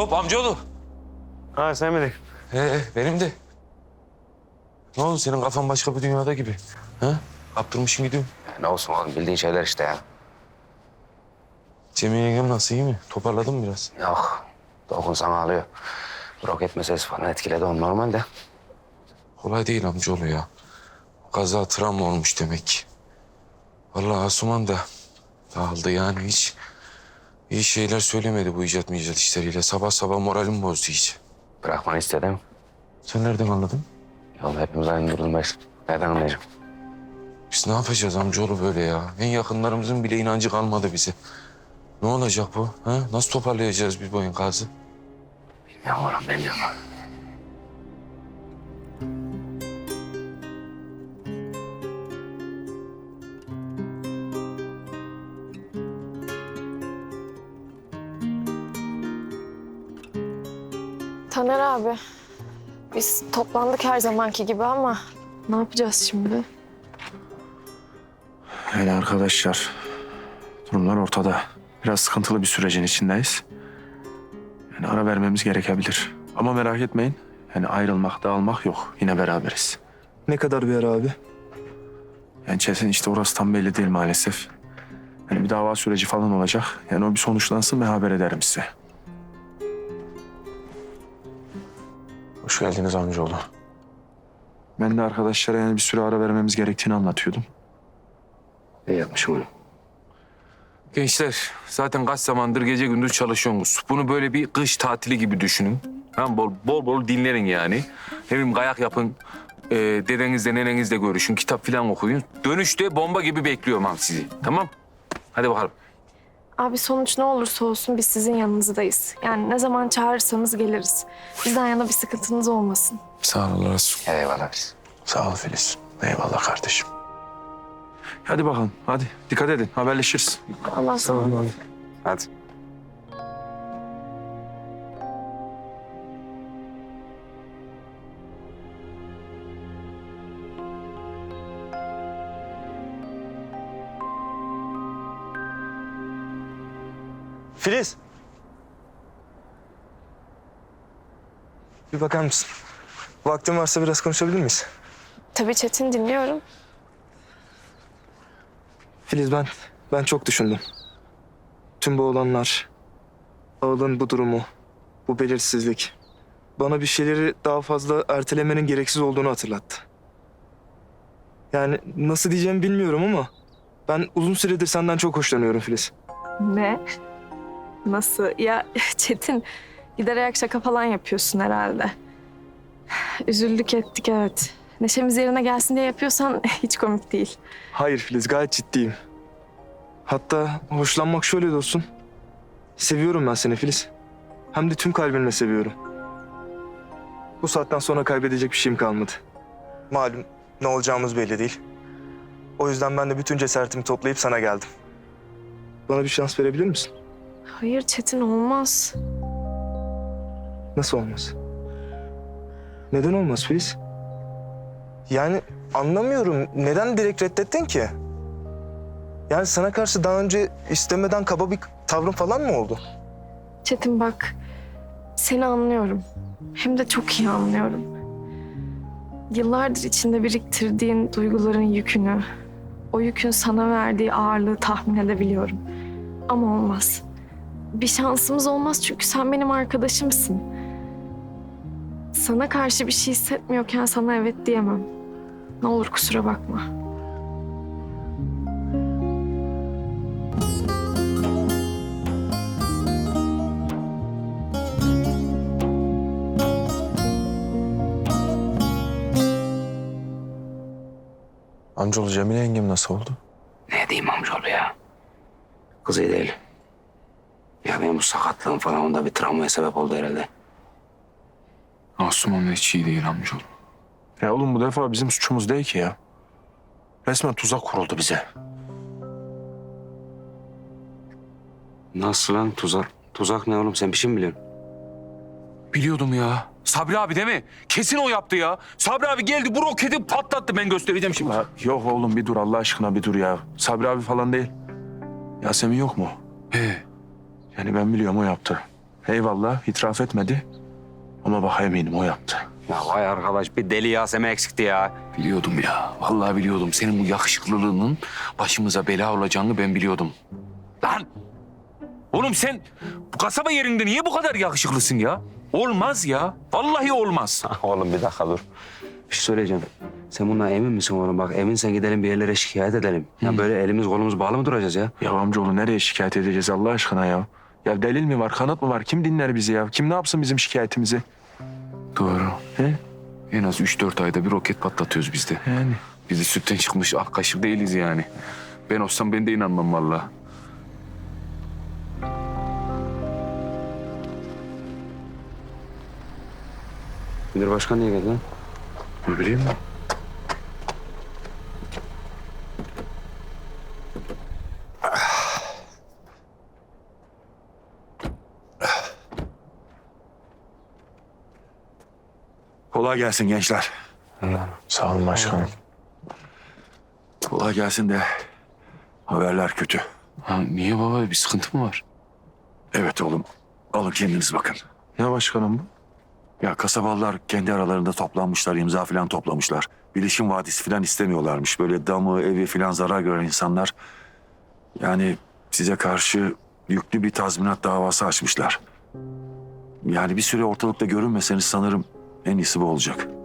Hop amcaoğlu. Ha sen miydin? Benim de. Ne oldu senin kafan başka bir dünyada gibi? Ha? Kaptırmışsın gidiyorum. Ne olsun oğlum bildiğin şeyler işte ya. Cemil yengem nasıl, iyi mi? Toparladın mı biraz? Yok. Dokunsan ağlıyor. Roket meselesi falan etkiledi onu normalde. Kolay değil amcaoğlu ya. Kaza travma olmuş demek ki. Vallahi Asuman da dağıldı yani hiç. İyi şeyler söylemedi bu icat işleriyle. Sabah sabah moralim bozdu iyice. Bırakmanı istedim. Sen nereden anladın? Oğlum hepimiz aynı durumdayız. Nereden anlayacağım? Biz ne yapacağız amcaoğlu böyle ya? En yakınlarımızın bile inancı kalmadı bize. Ne olacak bu? Ha? Nasıl toparlayacağız biz bu enkazı? Bilmiyorum oğlum bilmiyorum. Taner abi, biz toplandık her zamanki gibi ama ne yapacağız şimdi? Yani arkadaşlar, durumlar ortada. Biraz sıkıntılı bir sürecin içindeyiz. Yani ara vermemiz gerekebilir. Ama merak etmeyin. Yani ayrılmak, dağılmak yok. Yine beraberiz. Ne kadar bir ara abi? Yani Çetin işte orası tam belli değil maalesef. Yani bir dava süreci falan olacak. Yani o bir sonuçlansın ve haber ederim size. Hoş geldiniz amcaoğlu. Ben de arkadaşlara yani bir süre ara vermemiz gerektiğini anlatıyordum. İyi yapmışım onu. Gençler zaten kaç zamandır gece gündüz çalışıyorsunuz. Bunu böyle bir kış tatili gibi düşünün. Ha, bol bol dinlerin yani. Ne bileyim kayak yapın. Dedenizle nenenizle görüşün. Kitap falan okuyun. Dönüşte bomba gibi bekliyorum abi sizi. Tamam? Hadi bakalım. Abi sonuç ne olursa olsun biz sizin yanınızdayız. Yani ne zaman çağırırsanız geliriz. Bizden yana bir sıkıntınız olmasın. Sağ ol Resul. Eyvallah biz. Sağ ol Filiz. Eyvallah kardeşim. Hadi bakalım. Hadi dikkat edin. Haberleşiriz. Allah sana. Hadi. Filiz. Bir bakar mısın? Vaktin varsa biraz konuşabilir miyiz? Tabii Çetin dinliyorum. Filiz ben çok düşündüm. Tüm bu olanlar, Ağıl'ın bu durumu, bu belirsizlik bana bir şeyleri daha fazla ertelemenin gereksiz olduğunu hatırlattı. Yani nasıl diyeceğimi bilmiyorum ama ben uzun süredir senden çok hoşlanıyorum Filiz. Ne? Nasıl? Ya Çetin giderek şaka falan yapıyorsun herhalde. Üzüldük ettik evet. Neşemiz yerine gelsin diye yapıyorsan hiç komik değil. Hayır Filiz, gayet ciddiyim. Hatta hoşlanmak şöyle de olsun. Seviyorum ben seni Filiz. Hem de tüm kalbimle seviyorum. Bu saatten sonra kaybedecek bir şeyim kalmadı. Malum ne olacağımız belli değil. O yüzden ben de bütün cesaretimi toplayıp sana geldim. Bana bir şans verebilir misin? Hayır Çetin olmaz. Nasıl olmaz? Neden olmaz Filiz? Yani anlamıyorum. Neden direkt reddettin ki? Yani sana karşı daha önce istemeden kaba bir tavrın falan mı oldu? Çetin bak, seni anlıyorum. Hem de çok iyi anlıyorum. Yıllardır içinde biriktirdiğin duyguların yükünü, o yükün sana verdiği ağırlığı tahmin edebiliyorum. Ama olmaz. Bir şansımız olmaz çünkü sen benim arkadaşımsın. Sana karşı bir şey hissetmiyorken sana evet diyemem. Ne olur kusura bakma. Amcaoğlu Cemile yengem nasıl oldu? Ne diyeyim amcaoğlu ya? Kız iyi değil. Ya benim bu sakatlığım falan onda bir travmaya sebep oldu herhalde. Asuman hiç iyi değil amcaoğlu. Ya oğlum bu defa bizim suçumuz değil ki ya. Resmen tuzak kuruldu bize. Nasıl lan tuzak? Tuzak ne oğlum sen bir şey mi biliyorsun? Biliyordum ya. Sabri abi değil mi? Kesin o yaptı ya. Sabri abi geldi bu roketi patlattı. Ben göstereceğim şimdi. Ya, yok oğlum bir dur Allah aşkına bir dur ya. Sabri abi falan değil. Yasemin yok mu? He. Yani ben biliyorum o yaptı. Eyvallah itiraf etmedi. Ama bak eminim o yaptı. Ya vay arkadaş bir deli Yasemin eksikti ya. Biliyordum ya. Vallahi biliyordum. Senin bu yakışıklılığının başımıza bela olacağını ben biliyordum. Lan! Oğlum sen bu kasaba yerinde niye bu kadar yakışıklısın ya? Olmaz ya. Vallahi olmaz. Oğlum bir dakika dur. Bir şey söyleyeceğim. Sen bundan emin misin oğlum? Bak eminsen gidelim bir yerlere şikayet edelim. Ya böyle elimiz kolumuz bağlı mı duracağız ya? Ya amcaoğlu nereye şikayet edeceğiz Allah aşkına ya? Ya delil mi var, kanıt mı var? Kim dinler bizi ya? Kim ne yapsın bizim şikayetimizi? Doğru. He? En az 3-4 ayda bir roket patlatıyoruz biz de. Yani. Biz de sütten çıkmış ak kaşık değiliz yani. Ben olsam ben de inanmam vallahi. Müdür başkan niye geldi lan? Ne bileyim ben. Kolay gelsin gençler. Sağ olun başkanım. Kolay gelsin de haberler kötü. Ha, niye baba? Bir sıkıntı mı var? Evet oğlum, alın kendiniz bakın. Ne başkanım bu? Ya kasabalılar kendi aralarında toplanmışlar, imza falan toplamışlar. Bilişim vadisi falan istemiyorlarmış. Böyle damı, evi falan zarar gören insanlar. Yani size karşı yüklü bir tazminat davası açmışlar. Yani bir süre ortalıkta görünmeseniz sanırım en iyisi bu olacak.